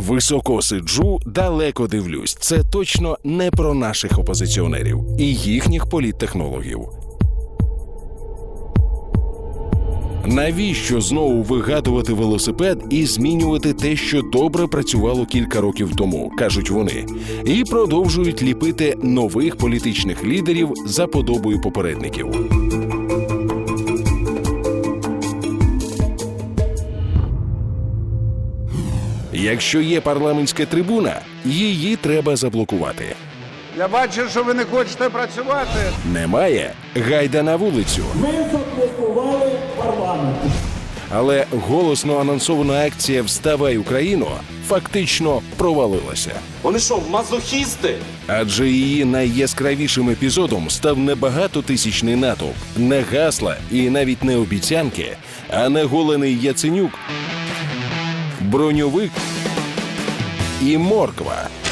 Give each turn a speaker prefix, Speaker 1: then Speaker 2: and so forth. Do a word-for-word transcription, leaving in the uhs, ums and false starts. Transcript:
Speaker 1: Високо сиджу, далеко дивлюсь. Це точно не про наших опозиціонерів і їхніх політтехнологів. Навіщо знову вигадувати велосипед і змінювати те, що добре працювало кілька років тому, кажуть вони, і продовжують ліпити нових політичних лідерів за подобою попередників. Якщо є парламентська трибуна, її треба заблокувати.
Speaker 2: Я бачу, що ви не хочете працювати.
Speaker 1: Немає – гайда на вулицю.
Speaker 3: Ми заблокували парламент.
Speaker 1: Але голосно анонсована акція «Вставай, Україно» фактично провалилася.
Speaker 4: Вони що, мазохісти?
Speaker 1: Адже її найяскравішим епізодом став не багатотисячний натовп, не гасла і навіть не обіцянки, а наголений Яценюк, броньовик і морква.